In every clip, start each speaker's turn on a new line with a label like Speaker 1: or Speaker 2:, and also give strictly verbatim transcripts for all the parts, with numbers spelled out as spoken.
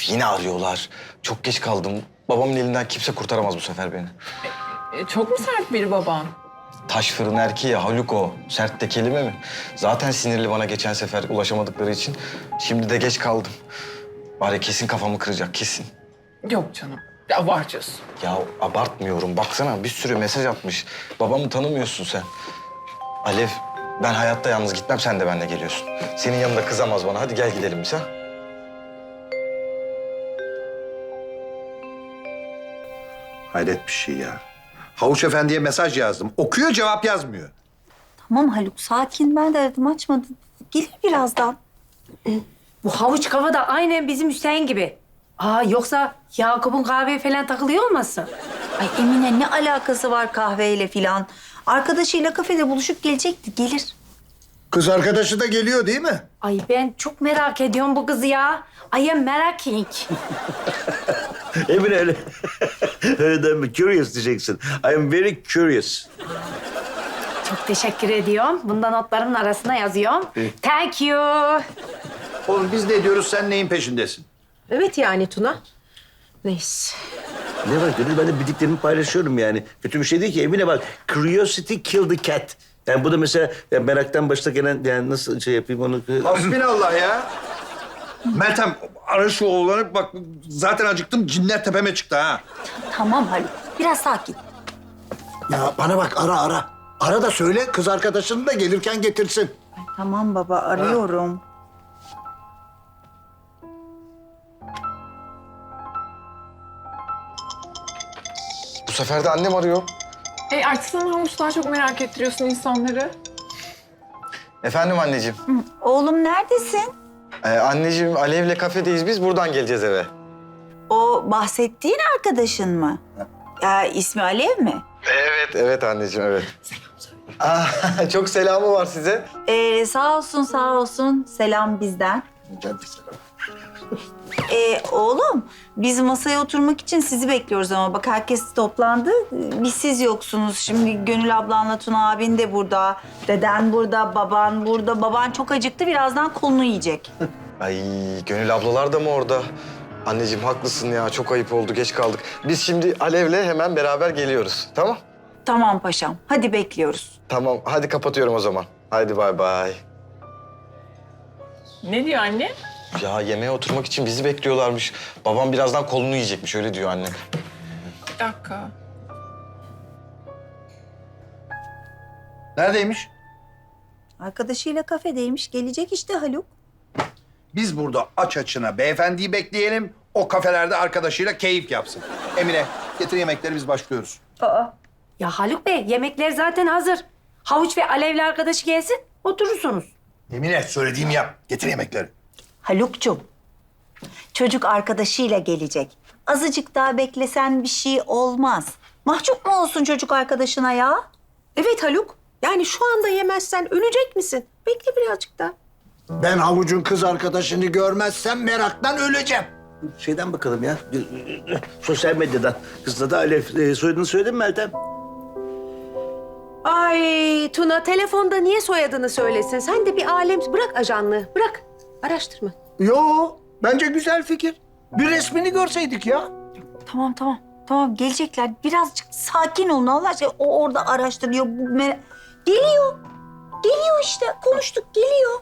Speaker 1: yine arıyorlar. Çok geç kaldım. Babamın elinden kimse kurtaramaz bu sefer beni.
Speaker 2: E, çok mu sert biri baban?
Speaker 1: Taş fırın erkeği Haluk o. Sert de kelime mi? Zaten sinirli bana geçen sefer ulaşamadıkları için. Şimdi de geç kaldım. Bari kesin kafamı kıracak, kesin.
Speaker 2: Yok canım. Ya abartıyorsun.
Speaker 1: Ya abartmıyorum. Baksana bir sürü mesaj atmış. Babamı tanımıyorsun sen. Alev, ben hayatta yalnız gitmem. Sen de benimle geliyorsun. Senin yanında kızamaz bana. Hadi gel gidelim biz ha.
Speaker 3: Hayret bir şey ya. Havuç Efendi'ye mesaj yazdım. Okuyor, cevap yazmıyor.
Speaker 4: Tamam Haluk, sakin. Ben de aradım, açmadı. Gelir birazdan.
Speaker 5: Bu havuç kafa da aynen bizim Hüseyin gibi. Aa yoksa Yakup'un kahveye falan takılıyor olmasın?
Speaker 4: Ay Emine, ne alakası var kahveyle filan? Arkadaşıyla kafede buluşup gelecekti, gelir.
Speaker 3: Kız arkadaşı da geliyor değil mi?
Speaker 5: Ay ben çok merak ediyorum bu kızı ya. I am meraking.
Speaker 6: Emin öyle. Öyle deme. Curious diyeceksin. I am very curious.
Speaker 5: Çok teşekkür ediyorum. Bunda notlarımın arasına yazıyorum. Thank you.
Speaker 3: Oğlum biz ne diyoruz, sen neyin peşindesin?
Speaker 7: Evet yani Tuna. Neyse.
Speaker 6: Ne var Gönül? Ben de bildiklerimi paylaşıyorum yani. Kötü bir şey değil ki. Emine bak. Curiosity killed the cat. Yani bu da mesela ya meraktan başta gelen yani nasıl şey yapayım onu...
Speaker 3: Hasbinallah ya. Meltem, ara şu oğlanı bak. Zaten acıktım, cinler tepeme çıktı ha.
Speaker 4: Tamam Haluk, biraz sakin.
Speaker 8: Ya bana bak, ara ara. Ara da söyle, kız arkadaşını da gelirken getirsin.
Speaker 4: Tamam baba, arıyorum.
Speaker 1: Bu sefer de annem arıyor.
Speaker 2: E artık sen havuçlar çok merak ettiriyorsun insanları.
Speaker 1: Efendim anneciğim.
Speaker 4: Oğlum neredesin?
Speaker 1: Ee, anneciğim, Alev'le kafedeyiz biz. Buradan geleceğiz eve.
Speaker 4: O bahsettiğin arkadaşın mı? Ya ismi Alev mi?
Speaker 1: Evet, evet anneciğim, evet. Aa, çok selamı var size.
Speaker 4: Ee, sağ olsun, sağ olsun. Selam bizden. Ee, oğlum, biz masaya oturmak için sizi bekliyoruz ama bak herkes toplandı. Biz siz yoksunuz. Şimdi Gönül ablanla Tuna abin de burada. Deden burada, baban burada. Baban çok acıktı, birazdan kolunu yiyecek.
Speaker 1: Ay, Gönül ablalar da mı orada? Anneciğim haklısın ya, çok ayıp oldu, geç kaldık. Biz şimdi Alev'le hemen beraber geliyoruz, tamam?
Speaker 4: Tamam paşam, hadi bekliyoruz.
Speaker 1: Tamam, hadi kapatıyorum o zaman. Hadi bay bay.
Speaker 2: Ne diyor anne?
Speaker 1: Ya yemeğe oturmak için bizi bekliyorlarmış. Babam birazdan kolunu yiyecekmiş, öyle diyor annem.
Speaker 2: Bir dakika.
Speaker 3: Neredeymiş?
Speaker 4: Arkadaşıyla kafedeymiş, gelecek işte Haluk.
Speaker 3: Biz burada aç açına beyefendiyi bekleyelim. O kafelerde arkadaşıyla keyif yapsın. Emine, getir yemekleri, biz başlıyoruz.
Speaker 4: Aa,
Speaker 5: Ya Haluk Bey yemekler zaten hazır. Havuç ve Alevli arkadaşı gelsin oturursunuz.
Speaker 3: Emine, söylediğimi yap. Getir yemekleri.
Speaker 4: Haluk'cum, çocuk arkadaşıyla gelecek. Azıcık daha beklesen bir şey olmaz. Mahcup mu olsun çocuk arkadaşına ya?
Speaker 7: Evet Haluk. Yani şu anda yemezsen ölecek misin? Bekle birazcık daha.
Speaker 8: Ben havucun kız arkadaşını görmezsem meraktan öleceğim.
Speaker 6: Şeyden bakalım ya. Sosyal medyadan. Kızla da Alev. E, soyadını söyledin mi Meltem?
Speaker 7: Ay Tuna telefonda niye soyadını söylesin? Sen de bir alem bırak ajanlığı. Bırak. Araştırma.
Speaker 8: Yo, bence güzel fikir. Bir resmini görseydik ya.
Speaker 4: Tamam tamam. Tamam gelecekler. Birazcık sakin olun Allah aşkına. O orada araştırıyor. Bu mer- Geliyor. Geliyor işte. Konuştuk geliyor.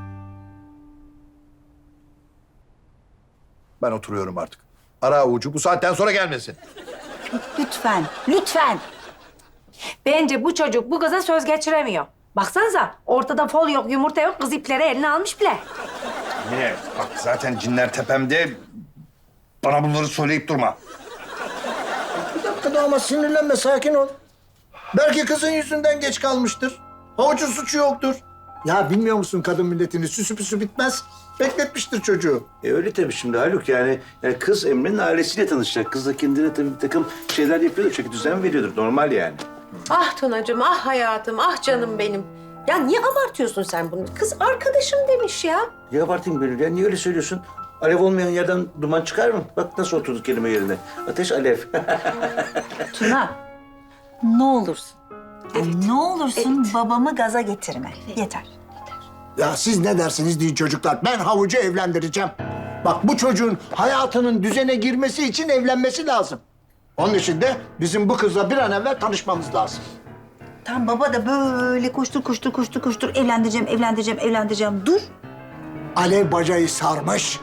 Speaker 3: Ben oturuyorum artık. Ara avucu bu saatten sonra gelmesin.
Speaker 4: Lütfen. Lütfen.
Speaker 5: Bence bu çocuk bu kıza söz geçiremiyor. Baksanıza ortada fol yok, yumurta yok, kız ipleri eline almış bile.
Speaker 3: Emine, bak zaten cinler tepemde. Bana bunları söyleyip durma.
Speaker 8: Bir dakika da ama sinirlenme, sakin ol. Belki kızın yüzünden geç kalmıştır. Havucun suçu yoktur. Ya bilmiyor musun kadın milletini? Süsü püsü bitmez. Bekletmiştir çocuğu.
Speaker 6: E öyle tabii şimdi Haluk yani, yani kız Emre'nin ailesiyle tanışacak. Kız da kendine tabii bir takım şeyler yapıyordur. Çünkü düzen veriyordur. Normal yani.
Speaker 7: Ah Tunacığım, ah hayatım, ah canım benim. Ya niye abartıyorsun sen bunu? Kız arkadaşım demiş ya.
Speaker 6: Ya abartayım Gönül ya. Niye öyle söylüyorsun? Alev olmayan yerden duman çıkar mı? Bak nasıl oturdu kelime yerine. Ateş alev.
Speaker 4: Tuna. Ne olursun. Ne olursun babamı gaza getirme. Yeter.
Speaker 8: Ya siz ne dersiniz deyin çocuklar. Ben havucu evlendireceğim. Bak bu çocuğun hayatının düzene girmesi için evlenmesi lazım. Onun için de bizim bu kızla bir an evvel tanışmamız lazım.
Speaker 4: Tam baba da böyle koştur koştur koştur koştur evlendireceğim, evlendireceğim, evlendireceğim. Dur.
Speaker 8: Alev bacayı sarmış.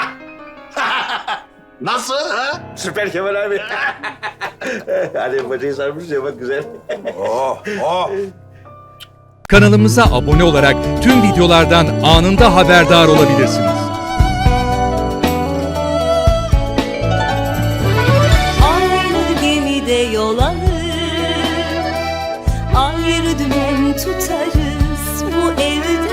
Speaker 6: Nasıl ha? Süper Kemal abi. Hadi bacayı sarmış ya bak güzel.
Speaker 3: Oh, oh.
Speaker 9: Kanalımıza abone olarak tüm videolardan anında haberdar olabilirsiniz.
Speaker 10: Aynı gemide yol alır, ayrı dümen tutarız bu evde.